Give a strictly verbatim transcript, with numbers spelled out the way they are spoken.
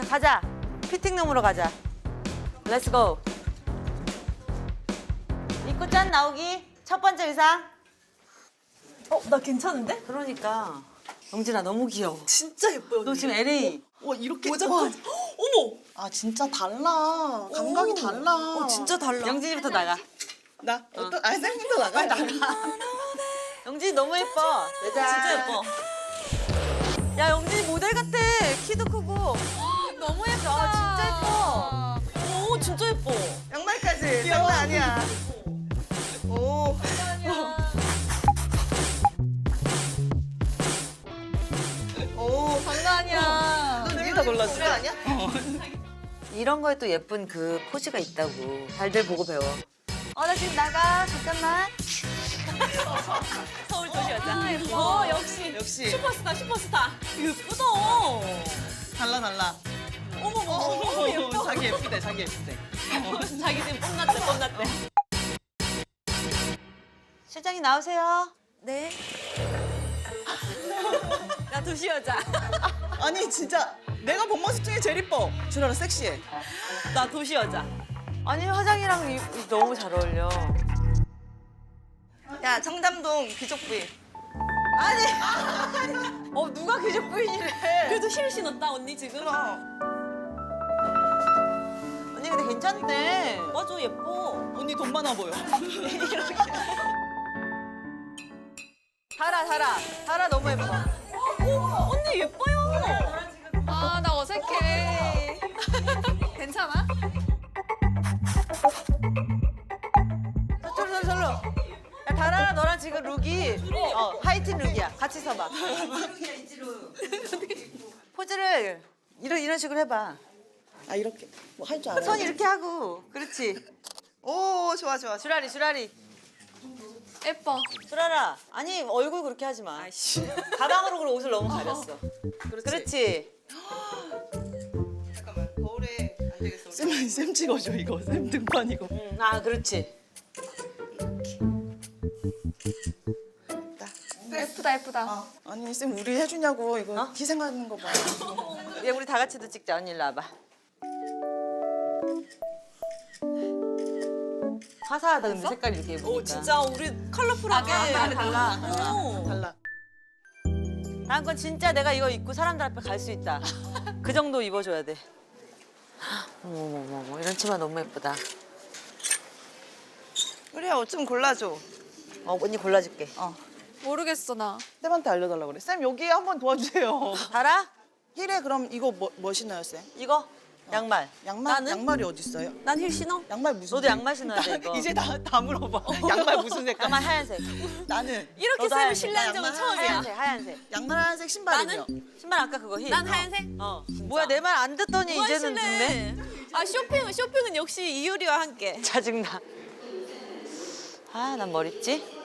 가자. 피팅룸으로 가자. 렛츠 고. 입고 짠 나오기. 첫 번째 의상. 어, 나 괜찮은데? 그러니까. 영진아 너무 귀여워. 진짜 예뻐요. 너 지금 엘에이. 와, 이렇게 모자 와. 어머. 아 진짜 달라. 감각이 오. 달라. 어, 진짜 달라. 영진이부터 나가. 나 어떤 아 쌤도 나가. 나가. 영진이 너무 예뻐. 진짜 예뻐. 야 영진이 모델 같아. 키도 크고. 너무 예뻐. 아, 진짜 예뻐. 오, 진짜 예뻐. 양말까지. 장난 아니야. 오. 오. 장난 아니야. 너 네가 골랐어. 그래 아니야? 이런 거에 또 예쁜 그 포즈가 있다고. 잘들 보고 배워. 어, 나 지금 나가. 잠깐만. 서울 도시 여자. 예뻐. 어, 역시. 역시. 슈퍼스타, 슈퍼스타. 예쁘다. 달라 달라. 어머, 어머, 어머, 예뻐. 자기 예쁘대. 자기 예쁘대. 자기 지금 뽐났대, 뽐났대. 실장님 나오세요. 네. 나 도시 여자. 아니 진짜 내가 본 모습 중에 제일 이뻐. 준하라 섹시해. 나 도시 여자. 아니 화장이랑 이, 이 너무 잘 어울려. 야 청담동 귀족부인. 어 누가 귀족 부인이래. 그래도 힐 신었다, 언니 지금. 그럼. 언니 근데 괜찮네. 맞아, 예뻐. 언니 돈 많아 보여. 달아 달아 달아 너무 예뻐. 어, 언니 예뻐요. 아, 나 어색해. 괜찮아? 저로 저로 저로. 야 달아 너랑 지금 룩이 어 하이틴 룩이야. 같이 서봐. 포즈를 이런 이런 식으로 해봐. 아 이렇게 뭐 할 줄 알아. 손 이렇게 하고. 그렇지. 오 좋아 좋아. 주라리 주라리. 예뻐. 주라라. 아니 얼굴 그렇게 하지 마. 아이씨. 가방으로 그럼 옷을 너무 가렸어. 그렇지. 그렇지. 잠깐만 거울에 안 되겠어. 쌤, 쌤 찍어줘 이거. 쌤 등판이고. 응. 아 그렇지. 예쁘다, 예쁘다. 아, 아니 쌤 우리 해주냐고 이거 어? 희생하는 거 봐. 얘 우리 다 같이도 찍자. 언니 일로 와봐. 화사하다 근데 색깔이 이렇게 예쁘니까. 오, 진짜 우리 컬러풀하게. 아, 달라, 오. 달라. 다음 건 진짜 내가 이거 입고 사람들 앞에 갈 수 있다. 그 정도 입어줘야 돼. 어머머머 이런 치마 너무 예쁘다. 우리야 옷 좀 골라줘. 어 언니 골라줄게. 어. 모르겠어, 나. 쌤한테 알려달라고 그래. 쌤 여기 한번 도와주세요. 달아? 힐에 그럼 이거 뭐, 뭐 신어요 쌤? 이거 양말. 양말 나는? 양말이 어디 있어요? 난 힐 신어? 양말 무슨? 너도 양말 신어야 돼 이거. 이제 다 다 물어봐. 양말 무슨 색깔? 양말 하얀색. 나는 이렇게 너도 쌤을 하얀색. 신뢰한 적은 나 처음이야. 하얀색 하얀색. 양말 하얀색 신발이요. 신발 아까 그거 힐. 난 하얀색? 어. 뭐야 내 말 안 듣더니 누가 이제는 듣네. 신래? 아, 쇼핑은 쇼핑은 역시 이효리와 함께. 짜증나. 아 난 뭘 입지?